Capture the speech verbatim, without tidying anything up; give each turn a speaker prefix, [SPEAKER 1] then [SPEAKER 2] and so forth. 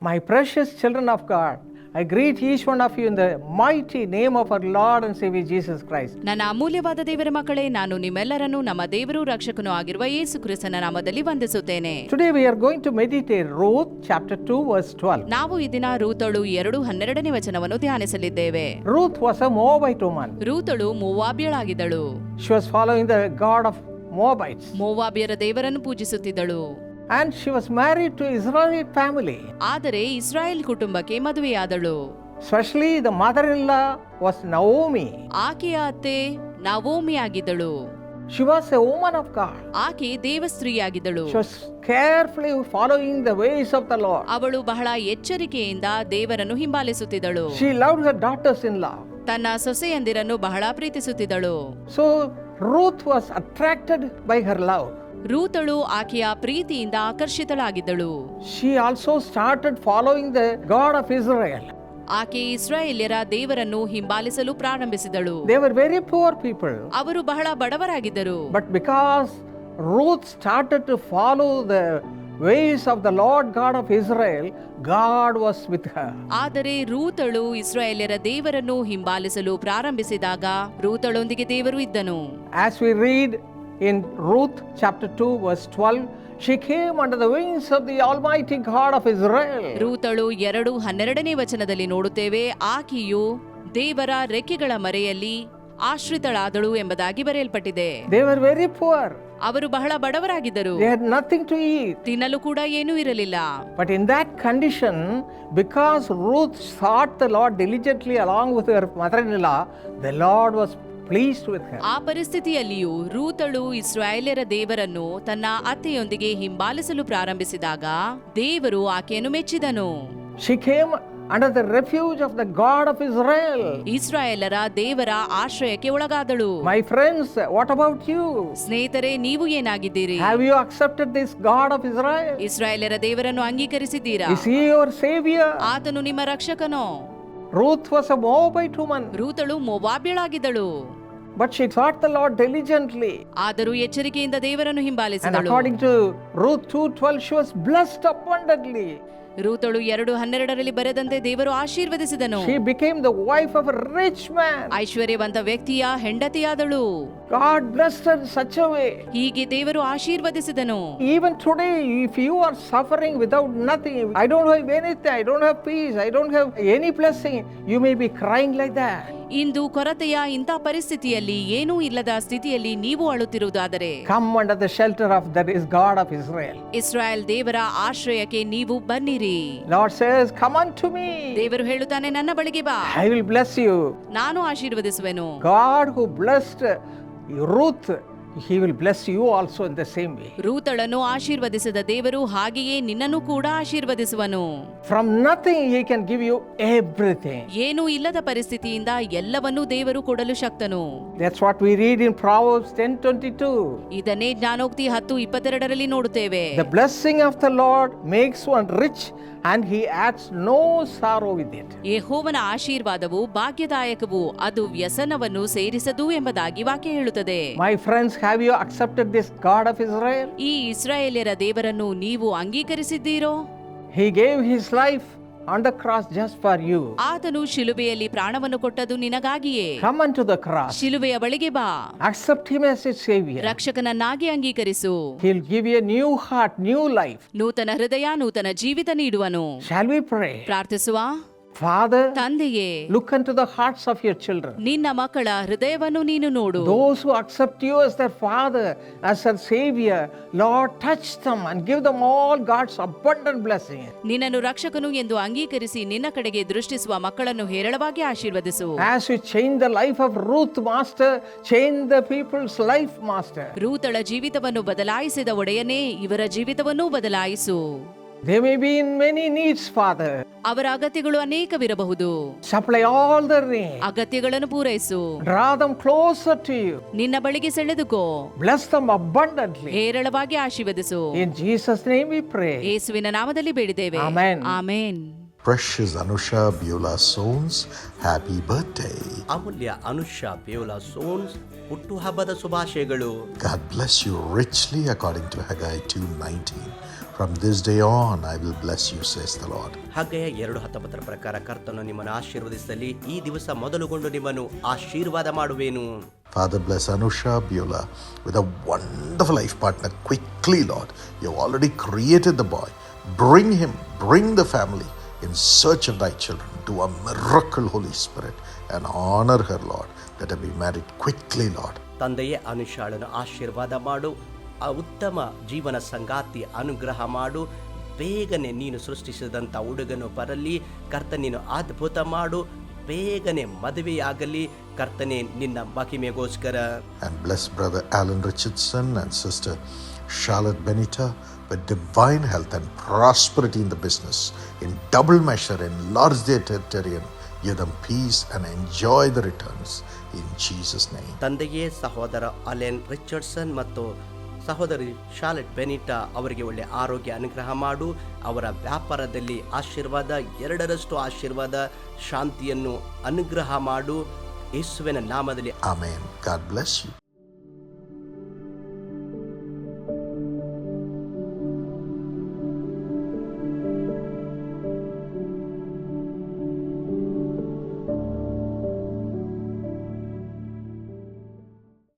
[SPEAKER 1] My precious children of God, I greet each one of you in the mighty name of our Lord and Savior Jesus Christ.
[SPEAKER 2] ನನ್ನ ಅಮೂಲ್ಯವಾದ ದೇವರ ಮಕ್ಕಳೇ, ನಾನು ನಿಮ್ಮೆಲ್ಲರನ್ನು ನಮ್ಮ ದೇವರು ರಕ್ಷಕನೂ ಆಗಿರುವ ಯೇಸು ಕ್ರಿಸ್ತನ ನಾಮದಲ್ಲಿ ವಂದಿಸುತ್ತೇನೆ.
[SPEAKER 1] Today we are going to meditate Ruth chapter two verse twelve.
[SPEAKER 2] ನಾವು ಈ ದಿನ ರೂತಳು ಎರಡು ಹನ್ನೆರಡನೇ ವಚನವನ್ನು ಧ್ಯಾನಿಸಲಿದ್ದೇವೆ.
[SPEAKER 1] Ruth was a Moabite woman.
[SPEAKER 2] ರೂತಳು ಮೋವಾಬ್ಯಳಾಗಿದ್ದಳು.
[SPEAKER 1] She was following the god of Moabites.
[SPEAKER 2] ಮೋವಾಬ್ಯರ ದೇವರನ್ನು ಪೂಜಿಸುತ್ತಿದ್ದಳು.
[SPEAKER 1] And she was married to Israelite family.
[SPEAKER 2] ಆದರೆ ಇಸ್ರಾಯೇಲ್ ಕುಟುಂಬಕ್ಕೆ ಮದುವೆಯಾದಳು.
[SPEAKER 1] Especially the mother-in-law was Naomi.
[SPEAKER 2] ಆಕೆಯ ಅತ್ತೆ ನವೋಮಿ ಆಗಿದ್ದಳು.
[SPEAKER 1] She was a woman of God.
[SPEAKER 2] ಆಕೆ ದೇವಸ್ತ್ರೀಯಾಗಿದ್ದಳು.
[SPEAKER 1] She was carefully following the ways of the Lord.
[SPEAKER 2] ಅವಳು ಬಹಳ ಎಚ್ಚರಿಕೆಯಿಂದ ದೇವರನ್ನು ಹಿಂಬಾಲಿಸುತ್ತಿದ್ದಳು.
[SPEAKER 1] She loved her daughters-in-law.
[SPEAKER 2] ತನ್ನ ಸೊಸೆಯಂದಿರನ್ನು ಬಹಳ ಪ್ರೀತಿಸುತ್ತಿದ್ದಳು.
[SPEAKER 1] So Ruth was attracted by her love.
[SPEAKER 2] ರೂತಳು ಆಕೆಯ ಪ್ರೀತಿಯಿಂದ ಆಕರ್ಷಿತಳಾಗಿದ್ದಳು.
[SPEAKER 1] She also started following the God of Israel.
[SPEAKER 2] ಆಕೆ ಇಸ್ರಾಯೇಲ್ಯರ ದೇವರನ್ನು ಹಿಂಬಾಲಿಸಲು ಪ್ರಾರಂಭಿಸಿದಳು.
[SPEAKER 1] They were very poor people.
[SPEAKER 2] ಅವರು ಬಹಳ ಬಡವರಾಗಿದ್ದರು.
[SPEAKER 1] But because Ruth started to follow the ways of the Lord God of Israel, God was with her.
[SPEAKER 2] ಆದರೆ ರೂತಳು ಇಸ್ರಾಯೇಲ್ಯರ ದೇವರನ್ನು ಹಿಂಬಾಲಿಸಲು ಪ್ರಾರಂಭಿಸಿದಾಗ ರೂತಳೊಂದಿಗೆ ದೇವರು ಇದ್ದನು.
[SPEAKER 1] As we read in Ruth chapter two verse twelve, she came under the wings of the Almighty God of Israel.
[SPEAKER 2] ರೂತಳು ಎರಡು ಹನ್ನೆರಡನೇ ವಚನದಲ್ಲಿ ನೋಡುತ್ತೇವೆ, ಆಕೆಯು ದೇವರ ರೆಕ್ಕೆಗಳ ಮರೆಯಲ್ಲಿ ಆಶ್ರಿತಳಾದಳು ಎಂಬುದಾಗಿ ಬರೆಯಲ್ಪಟ್ಟಿದೆ.
[SPEAKER 1] They were very poor.
[SPEAKER 2] ಅವರು ಬಹಳ ಬಡವರಾಗಿದ್ದರು.
[SPEAKER 1] They had nothing to eat.
[SPEAKER 2] ತಿನ್ನಲು ಕೂಡ ಏನೂ ಇರಲಿಲ್ಲ.
[SPEAKER 1] But in that condition, because Ruth sought the Lord diligently along with her mother-in-law, the Lord was pleased with her.
[SPEAKER 2] ಆ ಪರಿಸ್ಥಿತಿಯಲ್ಲಿಯೂ ರೂತಳು ಇಸ್ರಾಯೇಲ್ಯರ ದೇವರನ್ನು ತನ್ನ ಅತ್ತೆಯೊಂದಿಗೆ ಹಿಂಬಾಲಿಸಲು ಪ್ರಾರಂಭಿಸಿದಾಗ ದೇವರು ಆಕೆಯನ್ನು ಮೆಚ್ಚಿದನು.
[SPEAKER 1] She came under the refuge of the God of Israel.
[SPEAKER 2] ಇಸ್ರಾಯೇಲರ ದೇವರ ಆಶ್ರಯಕ್ಕೆ ಒಳಗಾದಳು.
[SPEAKER 1] My friends, what about you?
[SPEAKER 2] ಸ್ನೇಹಿತರೆ, ನೀವು ಏನಾಗಿದ್ದೀರಿ?
[SPEAKER 1] Have you accepted this God of Israel?
[SPEAKER 2] ಇಸ್ರಾಯೇಲರ ದೇವರನ್ನು ಅಂಗೀಕರಿಸಿದ್ದೀರಾ?
[SPEAKER 1] Is he your savior?
[SPEAKER 2] ಆತನು ನಿಮ್ಮ ರಕ್ಷಕನೋ?
[SPEAKER 1] Ruth was a Moabite woman.
[SPEAKER 2] ರೂತಳು ಮೋವಾಬ್ಯಳಾಗಿದ್ದಳು.
[SPEAKER 1] But she sought the Lord diligently.
[SPEAKER 2] ಆದರೂ ಎಚ್ಚರಿಕೆಯಿಂದ ದೇವರನ್ನು
[SPEAKER 1] And
[SPEAKER 2] ಹಿಂಬಾಲಿಸಿದಳು.
[SPEAKER 1] according to Ruth two twelve, she was blessed abundantly.
[SPEAKER 2] ರೂತಳು ಎರಡು ಹನ್ನೆರಡರಲ್ಲಿ ಬರೆದಂತೆ ದೇವರು ಆಶೀರ್ವದಿಸಿದನು.
[SPEAKER 1] She became the wife of a rich man.
[SPEAKER 2] ಐಶ್ವರ್ಯವಂತ ವ್ಯಕ್ತಿಯ ಹೆಂಡತಿಯಾದಳು.
[SPEAKER 1] God blessed her in such a way.
[SPEAKER 2] ಹೀಗೆ ದೇವರು ಆಶೀರ್ವದಿಸಿದನು.
[SPEAKER 1] Even today, if you are suffering without nothing, I don't have anything, I don't have peace, I don't have any blessing, you may be crying like that.
[SPEAKER 2] ಇಂದು ಕೊರತೆಯ ಇಂಥ ಪರಿಸ್ಥಿತಿಯಲ್ಲಿ ಏನೂ ಇಲ್ಲದ ಸ್ಥಿತಿಯಲ್ಲಿ ನೀವು ಅಳುತ್ತಿರುವುದಾದರೆ
[SPEAKER 1] Come under the shelter of that is God of Israel.
[SPEAKER 2] Israel ದೇವರ ಆಶ್ರಯಕ್ಕೆ ನೀವು ಬನ್ನಿರಿ.
[SPEAKER 1] Lord says, come unto me.
[SPEAKER 2] ದೇವರು ಹೇಳುತ್ತಾನೆ, ನನ್ನ ಬಳಿಗೆ ಬಾ,
[SPEAKER 1] I will bless you.
[SPEAKER 2] ನಾನು ಆಶೀರ್ವದಿಸುವೆನು.
[SPEAKER 1] God who blessed Ruth, he will bless you also in the same way.
[SPEAKER 2] ರೂತಳನ್ನು ಆಶೀರ್ವದಿಸಿದ ದೇವರು ಹಾಗೆಯೇ ನಿನ್ನನ್ನು ಕೂಡ ಆಶೀರ್ವದಿಸುವನು.
[SPEAKER 1] From nothing he can give you everything.
[SPEAKER 2] ಏನೂ ಇಲ್ಲದ ಪರಿಸ್ಥಿತಿಯಿಂದ ಎಲ್ಲವನ್ನೂ ದೇವರು ಕೊಡಲು ಶಕ್ತನು.
[SPEAKER 1] That's what we read in Proverbs ten twenty-two.
[SPEAKER 2] ಇದನ್ನೇ ಜ್ಞಾನೋಕ್ತಿ ಹತ್ತು ಇಪ್ಪತ್ತೆರಡರಲ್ಲಿ ನೋಡುತ್ತೇವೆ.
[SPEAKER 1] The blessing of the Lord makes one rich and he adds no sorrow with it.
[SPEAKER 2] ಯೆಹೋವನ ಆಶೀರ್ವಾದವು ಭಾಗ್ಯದಾಯಕವು, ಅದು ವ್ಯಸನವನ್ನು ಸೇರಿಸದು ಎಂಬುದಾಗಿ ವಾಕ್ಯ ಹೇಳುತ್ತದೆ.
[SPEAKER 1] My friends, have you accepted this God of Israel?
[SPEAKER 2] ಈ ಇಸ್ರಾಯೇಲ್ಯರ ದೇವರನ್ನು ನೀವು ಅಂಗೀಕರಿಸಿದ್ದೀರೋ?
[SPEAKER 1] He gave his life on the cross just for you.
[SPEAKER 2] ಆತನು ಶಿಲುಬೆಯಲ್ಲಿ ಪ್ರಾಣವನ್ನು ಕೊಟ್ಟದು ನಿನಗಾಗಿಯೇ.
[SPEAKER 1] Come unto the cross.
[SPEAKER 2] ಶಿಲುಬೆಯ ಬಳಿಗೆ ಬಾ,
[SPEAKER 1] Accept him as your savior.
[SPEAKER 2] ರಕ್ಷಕನನ್ನಾಗಿ ಅಂಗೀಕರಿಸು.
[SPEAKER 1] He'll give you a new heart, new life.
[SPEAKER 2] ನೂತನ ಹೃದಯ, ನೂತನ ಜೀವಿತ ನೀಡುವನು.
[SPEAKER 1] Shall we pray?
[SPEAKER 2] ಪ್ರಾರ್ಥಿಸುವ.
[SPEAKER 1] Father,
[SPEAKER 2] ತಂದೆಯೇ,
[SPEAKER 1] look into the hearts of your children.
[SPEAKER 2] ನಿನ್ನ ಮಕ್ಕಳ ಹೃದಯವನ್ನು ನೀನು ನೋಡು.
[SPEAKER 1] Those who accept you as their father, as their savior, Lord, touch them and give them all God's abundant blessing.
[SPEAKER 2] ನಿನ್ನನ್ನು ರಕ್ಷಕನು ಎಂದು ಅಂಗೀಕರಿಸಿ ನಿನ್ನ ಕಡೆಗೆ ದೃಷ್ಟಿಸುವ ಮಕ್ಕಳನ್ನು ಹೇರಳವಾಗಿ ಆಶೀರ್ವದಿಸು.
[SPEAKER 1] As you change the life of Ruth, Master, change the people's life, Master.
[SPEAKER 2] ರೂತಳ ಜೀವಿತವನ್ನು ಬದಲಾಯಿಸಿದ ಒಡೆಯನೇ ಇವರ ಜೀವಿತವನ್ನೂ ಬದಲಾಯಿಸು.
[SPEAKER 1] They may be in many needs, Father.
[SPEAKER 2] ಅವರ ಅಗತ್ಯಗಳು ಅನೇಕವಿರಬಹುದು.
[SPEAKER 1] Supply all their needs.
[SPEAKER 2] ಅಗತ್ಯಗಳನ್ನು ಪೂರೈಸು.
[SPEAKER 1] Draw them closer to you.
[SPEAKER 2] ನಿನ್ನ ಬಳಿಗೆ ಸೆಳೆದುಕೋ.
[SPEAKER 1] Bless them abundantly.
[SPEAKER 2] ಹೇರಳವಾಗಿ ಆಶೀರ್ವದಿಸು.
[SPEAKER 1] In Jesus' name we pray.
[SPEAKER 2] ಯೇಸುವಿನ ನಾಮದಲ್ಲಿ ಬೇಡಿದ್ದೇವೆ.
[SPEAKER 1] Amen.
[SPEAKER 2] Amen.
[SPEAKER 3] Precious Anusha Beulah Sones, happy birthday.
[SPEAKER 4] ಅಮೂಲ್ಯ ಅನುಷಾ ಬೇವುಲಾ ಸೋನ್ಸ್ ಹುಟ್ಟುಹಬ್ಬದ ಶುಭಾಶಯಗಳು.
[SPEAKER 3] God bless you richly according to Haggai two nineteen. From this day on, I will bless you, says the Lord.
[SPEAKER 4] ಹಾಗೆಯೇ ಎರಡು ಹತ್ತೊಂಬತ್ತರ ಪ್ರಕಾರ ಕರ್ತನು ನಿಮ್ಮನ್ನು ಆಶೀರ್ವದಿಸಲಿ, ಈ ದಿವಸ ಮೊದಲುಗೊಂಡು ನಿಮ್ಮನ್ನು ಆಶೀರ್ವಾದ ಮಾಡುವೆನು.
[SPEAKER 3] Father, bless Anusha Beulah with a wonderful life partner quickly, Lord. You have already created the boy. Bring him, bring the family in search of thy children. Do a miracle, Holy Spirit, and honor her, Lord. Let her be married quickly, Lord.
[SPEAKER 4] ತಂದೆಯೇ ಅನುಷಾಳನ್ನು ಆಶೀರ್ವಾದ ಮಾಡು, ಆ ಉತ್ತಮ ಜೀವನ ಸಂಗಾತಿ ಅನುಗ್ರಹ ಮಾಡು. ಬೇಗನೆ ನೀನು ಸೃಷ್ಟಿಸಿದಂಥ ಹುಡುಗನು ಬರಲಿ ಕರ್ತ, ನೀನು ಅದ್ಭುತ ಮಾಡು. ಬೇಗನೆ ಮದುವೆಯಾಗಲಿ ಕರ್ತನೆ, ನಿನ್ನ ಮಹಿಮೆಗೋಸ್ಕರ.
[SPEAKER 3] And bless brother Alan Richardson and sister Charlotte Benita with divine health and prosperity in the business, in double measure, enlarge their territory, and give them peace and enjoy the returns in Jesus' name.
[SPEAKER 4] ತಂದೆಯೇ ಸಹೋದರ Allen Richardson ಮತ್ತು ಸಹೋದರಿ Charlotte ಬೆನಿಟಾ ಅವರಿಗೆ ಒಳ್ಳೆ ಆರೋಗ್ಯ ಅನುಗ್ರಹ ಮಾಡು. ಅವರ ವ್ಯಾಪಾರದಲ್ಲಿ ಆಶೀರ್ವಾದ, ಎರಡರಷ್ಟು ಆಶೀರ್ವಾದ, ಶಾಂತಿಯನ್ನು ಅನುಗ್ರಹ ಮಾಡು. ಯೇಸುವಿನ ನಾಮದಲ್ಲಿ
[SPEAKER 3] Amen. God bless you.